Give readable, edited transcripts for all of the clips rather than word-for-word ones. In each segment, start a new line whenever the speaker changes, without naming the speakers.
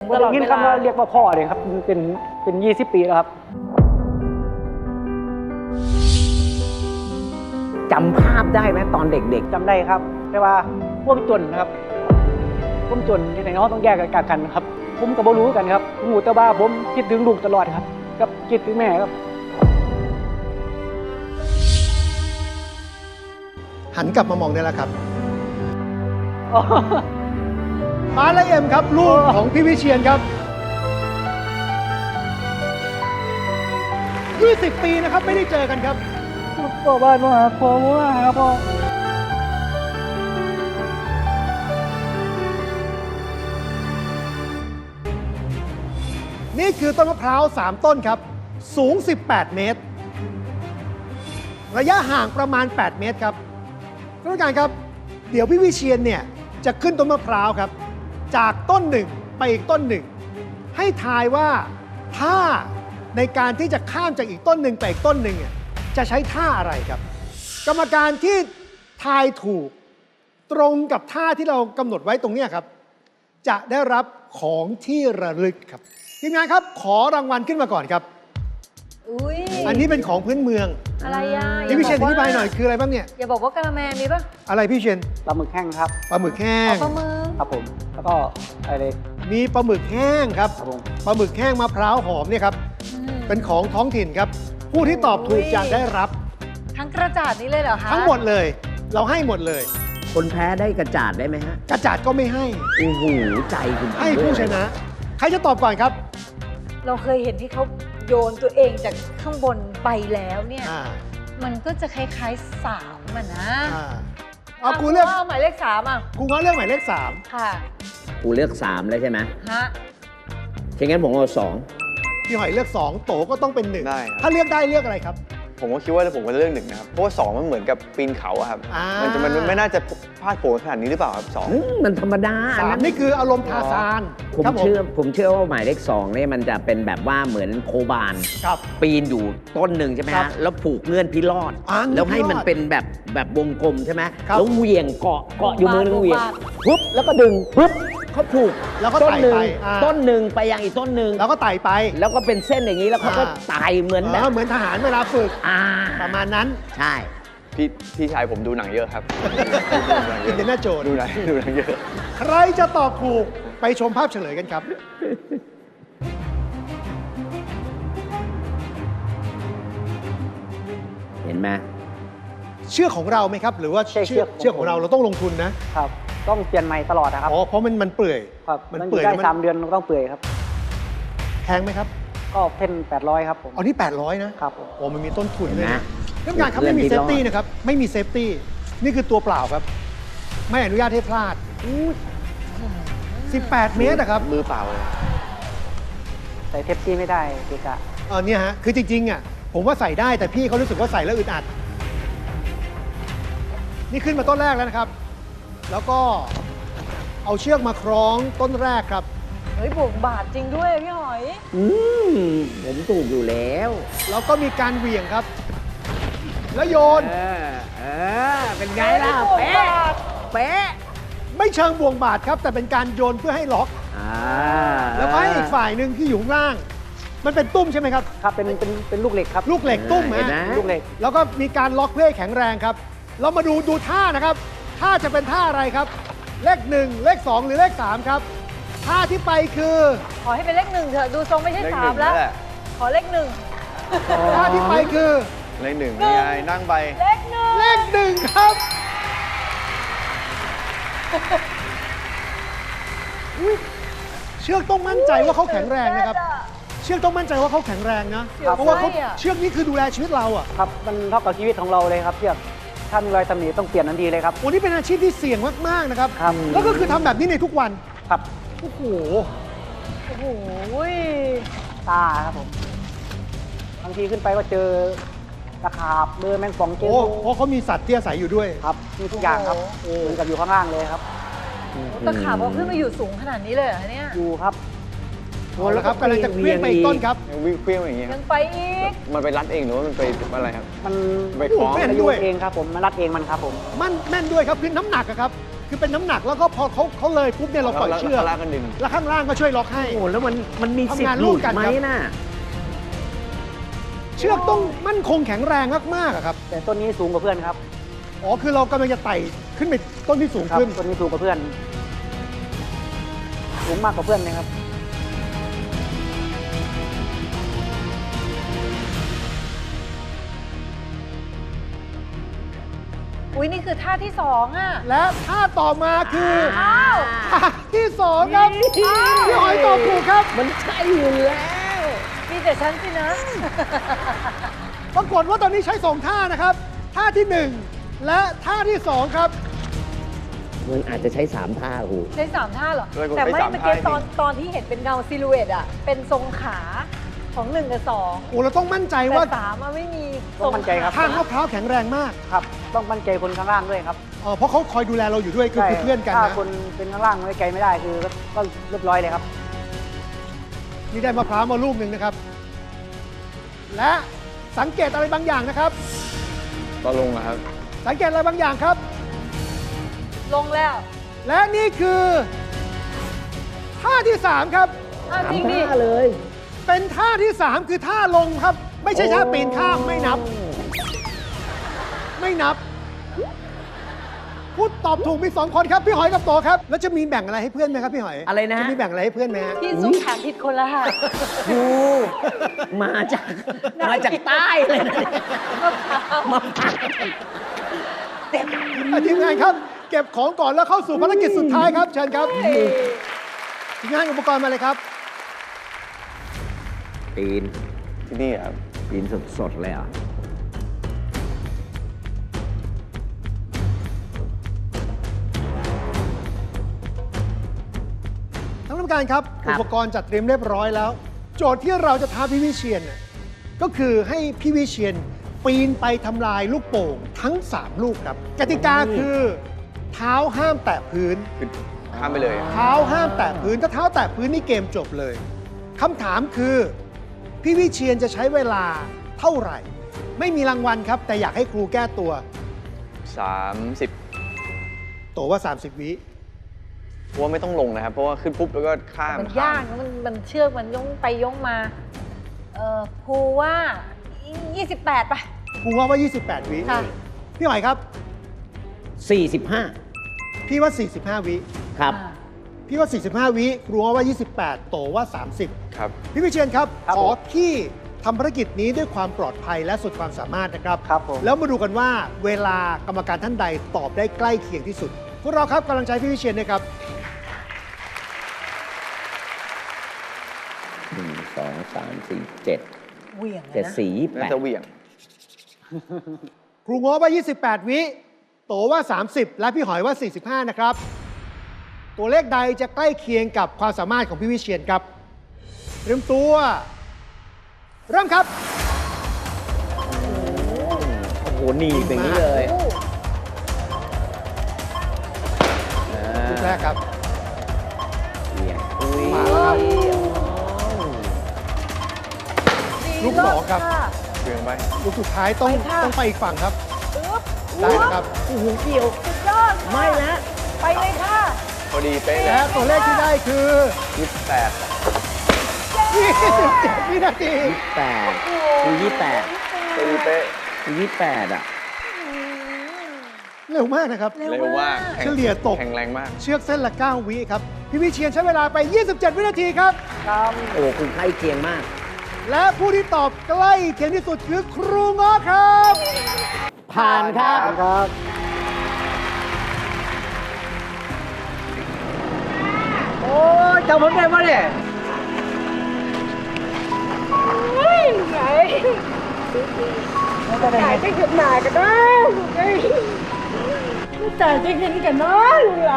ตลอดเวลายินคำว่าเรียกว่าพ่อเลยครับเป็น20 ปีแล้วครับ
จำภาพได้ไหมตอนเด็กๆ
จำได้ครับแต่ว่าพวกจนนะครับพวกจนที่ไหนน้องต้องแยกกันครับผมกับบ่รู้กันครับผมหูแต่ว่าผมคิดถึงลูกตลอดครับกับคิดถึงแม่ครับ
หันกลับมามองได้แล้วครับมาและเอ็มครับลูกของพี่วิเชียรครับ20 ปีนะครับไม่ได้เจอกันครับ
พ่อบ้านมาหาพ่อมาหาพ่อ
นี่คือต้นมะพร้าว3ต้นครับสูง18 เมตรระยะห่างประมาณ8 เมตรครับท่านผู้การครับเดี๋ยวพี่วิเชียรเนี่ยจะขึ้นต้นมะพร้าวครับจากต้นหนึ่งไปอีกต้นหนึ่งให้ทายว่าท่าในการที่จะข้ามจากอีกต้นหนึ่งไปอีกต้นหนึ่งเนี่ยจะใช้ท่าอะไรครับ กรรมการที่ทายถูกตรงกับท่าที่เรากำหนดไว้ตรงนี้ครับจะได้รับของที่ระลึกครับทีมงานครับขอรางวัลขึ้นมาก่อนครับอันนี้เป็นของพื้นเมือง
อะไรอ่ะ
พี่วิเชียรอธิบายหน่อยคืออะไรบ้างเนี่ย
อย่าบอกว่ากะละแมมีป่ะ
อะไรพี่วิเชียร
ปลาหมึกแห้งครับ
ปลาหมึกแห้ง
ปลาหมึก
ครับผมแล้วก็อะไร
มีปลาหมึกแห้งครับ
ครับผม
ปลาหมึกแห้งมะพร้าวหอมเนี่ยครับเป็นของท้องถิ่นครับผู้ที่ตอบถูกจะได้รับ
ทั้งกระจาดนี้เลยเหรอคะ
ทั้งหมดเลยเราให้หมดเลย
คนแพ้ได้กระจาดได้ไหมฮะ
กระจาดก็ไม่ให้
โอ้โหใจคุณ
ให้ผู้ชนะ ใครจะตอบก่อนครับ
เราเคยเห็นที่เขาโยนตัวเองจากข้างบนไปแล้วเนี่ยมันก็จะคล้ายๆ3อ่ะนะ
เอากูเลือก
หมายเลข3อ่ะ
กูงั้นเลือกหมายเลข3
ค่ะ
กูเลือก3แล้วใช่ไหม
ฮะ
ฉะนั้นผมเอา
2พี่หอยเลือก2โตก็ต้องเป็น1
ได้
ถ้าเลือกได้เลือกอะไรครับ
ผมก็คิดว่าผมก็จะเลือก1นะครับเพราะว่า2มันเหมือนกับปีนเขาอะครับมันไม่น่าจะพลาดโผล่ขนาดนี้หรือเปล่าครับ2
มันธรรมดา
3นี่คืออารมณ์ทาซาน
ผมเชื่อว่าหมายเลข2เนี่ยมันจะเป็นแบบว่าเหมือนโคบานปีนอยู่ต้นหนึ่งใช่ไหมฮะแล้วผูกเงื่อนพิรอดแล้วให้มันเป็นแบบวงกลมใช่ไหมแล้วเหวี่ยงเกาะอยู่มือนึงเหวี่ยงปุ๊บแล้วก็ดึงปุ๊บเขาผูก
แล้วก็ไต่ไป
ต้นหนึ่งไปยังอีกต้นหนึ่ง
แล้วก็ไต่ไป
แล้วก็เป็นเส้นอย่างนี้แล้วเขาก็ไต่เหมือนแบบ
เหมือนทหารเวลาฝึกประมาณนั้น
ใช่
พี่ชายผมดูหนังเยอะครับ
อินเดียนาโจน
ดูหนังเยอะ
ใครจะตอบถูกไปชมภาพเฉลยกันครับ
เห็นไหม
เชือกของเราไหมครับหรือว่าเชือกของเราต้องลงทุน
นะครับต้องเปลี่ยนใหม่ตลอดนะครับ
เพราะมันเปื่อย
ครับมันเปื่อยได้3 เดือนต้องเปื่อยครับ
แพงไหมครับ
ก็เป็น800ครับผม
นี่800นะครับโอ้มันมีต้นทุนเลยนะเรื่องงานครับไม่มีเซฟตี้นะครับไม่มีเซฟตี้นี่คือตัวเปล่าครับไม่อนุญาตให้พลาด18 เมตรนะครับ
มือเปล่าเลย
ใส่เทปตี้ไม่ได้เกะกะ
เนี่ยฮะคือจริงๆอ่ะผมว่าใส่ได้แต่พี่เขารู้สึกว่าใส่แล้วอึดอัดนี่ขึ้นมาต้นแรกแล้วนะครับแล้วก็เอาเชือกมาคล้องต้นแรกครับ
เฮ้ยบวกบาทจริงด้วยพี่หอย
ผมถูกอยู่แล้ว
แล้วก็มีการเหวี่ยงครับแล้วโยน
เป็นไงล่ะเป๊ะ
ไม่เชิงบ่วงบาทครับแต่เป็นการโยนเพื่อให้ล็อกแล้วก็ให้อีกฝ่ายหนึ่งที่อยู่ข้างล่างมันเป็นตุ้มใช่ไหมครับ
ครับเป็นลูกเหล็กครับ
ลูกเหล็กตุ้ม
ลูกเหล็ก
แล้วก็มีการล็อกเพื่อให้แข็งแรงครับเรามาดูท่านะครับท่าจะเป็นท่าอะไรครับเลข1เลข2หรือเลข3ครับท่าที่ไปคือ
ขอให้เป็นเลข1เถอะดูทรงไม่ใช่3แล้วขอเลข1
ท่าที่ไปคือ
เลข1นี่ไงนั่งไป
เลข1ครับเชือกต้องมั่นใจว่าเขาแข็งแรงนะครับเชือกต้องมั่นใจว่าเขาแข็งแรงนะเพราะว่าเชือกนี้คือดูแลชีวิตเราอ่ะ
ครับมันเท่ากับชีวิตของเราเลยครับเชือกถ้ามีรอยตำหนิต้องเปลี่ยนทันทีเลยครับ
วันนี้เป็นอาชีพที่เสี่ยงมากๆนะครับแล้วก็คือทำแบบนี้ในทุกวัน
ครับ
โอ้โห
ตาครับผมบางทีขึ้นไปก็เจอตะขาบเบอร์แมงป่องเจอ
เพราะเขามีสัตว์ที่อาศัยอยู่ด้วย
ครับมีทุกอย่างครับเหมือนกับอยู่ข้างล่างเลยครับ
ตะขาบเอาขึ้นมาอยู่สูงขนาดนี้เลยเหรอเนี่ย
อยู่ครับ
แล้วครับกำลังจะเคลื่อนไปอีกต้นครับ
วิ่งเคลื่อนอย่างเงี้ย
ยังไปอีก
มันไปรัดเองหรือว่ามันไปอะไรครับ
มัน
ไปคล้อง
แม่นด้วยเองครับผมมันรัดเองมันครับผม
แม่นด้วยครับคือน้ำหนักครับคือเป็นน้ำหนักแล้วก็พอเขาเลยปุ๊บเนี่ยเราปล่อยเชือก
แล้วข้างล่างก็ดึง
แล้วข้างล่างก็ช่วยล็อกให้
โอ้แล้วมันมีสิท
ทำงาน
ธิ์ห
ร่
ลุ
วม
ด
กัน
ไหม
ครับ
น่ะ
เชือกต้องมั่นคงแข็งแรงมากๆอะครับ
แต่ต้นนี้สูงกว่าเพื่อนครับ
อ๋อคือเรากำลังจะไต่ขึ้นไปต้นที่สูง
ครับ
ขึ้น
ต้นนี้สูงกว่าเพื่อน สูงมากกว่าเพื่อนเลยครับ
อุ้ยนี่คือท่าที่2อ่ะ
และท่าต่อมาคือ
อ้าว
ท่าที่2ครับพี่หอยตอบถูกครับ
มันใช่อยู่แล้ว
มีแต่ฉันสินะ
ปรากฏว่าตอนนี้ใช้2ท่านะครับ ท่าที่ 1 และท่าที่ 2 ครับ
มันอาจจะใช้3ท่าครู
ใช้3ท่าเหรอ
ด้วย
แต่ไม่
ใช้สาม
เมื่อกี้
ท่า
ตอนที่เห็นเป็นเงาซิลูเอตอ่ะ เป็นทรงขาของ1กับ2
โอ้เราต้องมั่นใจ
แต่
ว่า
3อะไม่มี
ต้องมั่นใจครับ
ทางมะพร้าวแข็งแรงมาก
ครับ ต้องมั่นใจคนข้างล่างด้วยครับ
เพราะเขาคอยดูแลเราอยู่ด้วยคือเพื่อนกัน
ถ้า
นะ
คนเป็นข้างล่างไว้ใจไม่ได้คือก็เรียบร้อยเลยครับ
นี่ได้มะพร้าวมาลูกหนึ่งนะครับ และสังเกตอะไรบางอย่างนะครับ
ก็ลงอะครับ
สังเกตอะไรบางอย่างครับ
ลงแล้ว
และนี่คือท่าที่ 3 ครับ
อ้าวจริงดิ
ท่าเลย
เป็นท่าที่ 3 คือท่าลงครับ ไม่ใช่ท่าปีนข้ามไม่นับ ไม่นับ พูดตอบถูกมี 2 คนครับพี่หอยกับโตครับ แล้วจะมีแบ่งอะไรให้เพื่อนไหมครับพี่หอย
อะไรนะ
จะมีแบ่งอะไรให้เพื่อนไหมฮะ
พี่ซุปถามผิดคนละค่ะ
ครูมาจากใต้เลยนะเนี่ยมาพัก
ทีมงานครับ เก็บของก่อนแล้วเข้าสู่ภารกิจสุดท้ายครับ เชิญครับทีมงานอุปกรณ์มาเลยครับ
ปีน
ที่นี่อะครับ
ปีนสดๆเลยเหรอ่ะ
ท่านผู้การครับ อุปกรณ์จัดเตรียมเรียบร้อยแล้ว โจทย์ที่เราจะท้าพี่วิเชียนน่ะก็คือให้พี่วิเชียนปีนไปทำลายลูกโป่งทั้ง 3 ลูกครับ กติกาคือเท้าห้ามแตะพื้น
คือข้ามไปเลยอะ
เท้าห้ามแตะพื้นถ้าเท้าแตะพื้นนี่เกมจบเลยคำถามคือพี่วิเชียนจะใช้เวลาเท่าไหร่ ไม่มีรางวัลครับ แต่อยากให้ครูแก้ตัว
30
โตว่า 30 วิ
เพราะว่าไม่ต้องลงนะครับ เพราะว่าขึ้นปุ๊บแล้วก็ข้าม
มันยากนะมันเชือกมันย่องไปย่องมา ครูว่า 28 ป่ะ
ครูว่า 28 วิ
ค่ะ
พี่หอยครับ
45
พี่ว่า 45 วิ
ครับ
พี่ว่า 45 วิครูว่า 28 โตว่า 30
ครับ
พี่วิเชียนครับ
ครับ
ขอ
ผม
ที่ทำภารกิจนี้ด้วยความปลอดภัยและสุดความสามารถนะครับ
ครับผม
แล้วมาดูกันว่าเวลากรรมการท่านใดตอบได้ใกล้เคียงที่สุด พวกเราครับกำลังใจพี่วิเชียนนะครับ
1 2 3 4 7
เหวี่ยงเลย
7
นะ
4
น่าจะเหวี่ยง
ครูง้อว่า 28 วิ โตว่า 30 และพี่หอยว่า 45 นะครับ ตัวเลขใดจะใกล้เคียงกับความสามารถของพี่วิเชียนครับเตรียมตัว เริ่มครับ
โอ้โหหนีบอย่างนี้เลย
โอ้
ลูกแรกครับ
เบี่ยงอุ้ย
มาแล้วครับ ลูกสองครับ
ะ
เหวี่ยงไป
ลูกสุดท้ายต้อง
ไปค่ะ
ต้องไปอีกฝั่งครับ
อึ๊บ
ได้นะครับ
โอ้โหเกี่ยว
สุดยอดค่ะ
ไม่ละ
ไปเลยค่ะ
พอดีเป๊ะเล
และ
ย
ตัวเลขที่ได้คือ
28
27 วินาที
8คือ28
พอดีเป๊ะ
คือ28 อ่ะ
เร็วมากนะครับ
เร็วมาก
เฉลี่ยตก
แข็งแรงมาก
เชือกเส้นละ 9 วิครับ พี่วิเชียนใช้เวลาไป 27 วินาทีครับ
ครับ
โอ้คุณใกล้เคียงมาก
และผู้ที่ตอบใกล้เคียงที่สุดคือครูง้อครับ
ผ่านครับ
ครับ โอ้ยจำผมได้ปะเนี่ย
ไหนจ่ายจะเก็บหนากันนะจ่ายจะเห็นกันนะไหล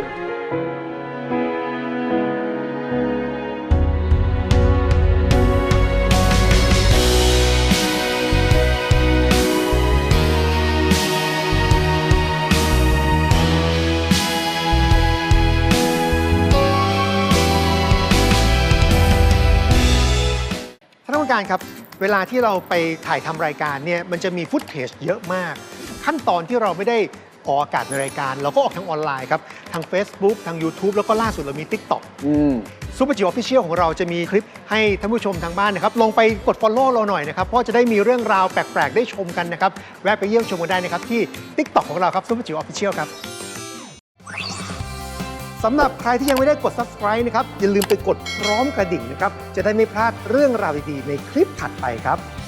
ท่านผู้การครับ เวลาที่เราไปถ่ายทำรายการเนี่ยมันจะมีฟุตเทจเยอะมาก ขั้นตอนที่เราไม่ได้ออกอากาศในรายการเราก็ออกทางออนไลน์ครับทาง Facebook ทาง YouTube แล้วก็ล่าสุดเรามี TikTok ซุปเปอร์จิ๋วออฟฟิเชียลของเราจะมีคลิปให้ท่านผู้ชมทางบ้านนะครับลงไปกด Follow เราหน่อยนะครับเพราะจะได้มีเรื่องราวแปลกๆได้ชมกันนะครับแวะไปเยี่ยมชมกันได้นะครับที่ TikTok ของเราครับซุปเปอร์จิ๋วออฟฟิเชียลครับสำหรับใครที่ยังไม่ได้กด Subscribe นะครับอย่าลืมไปกดพร้อมกระดิ่งนะครับจะได้ไม่พลาดเรื่องราวดีๆในคลิปถัดไปครับ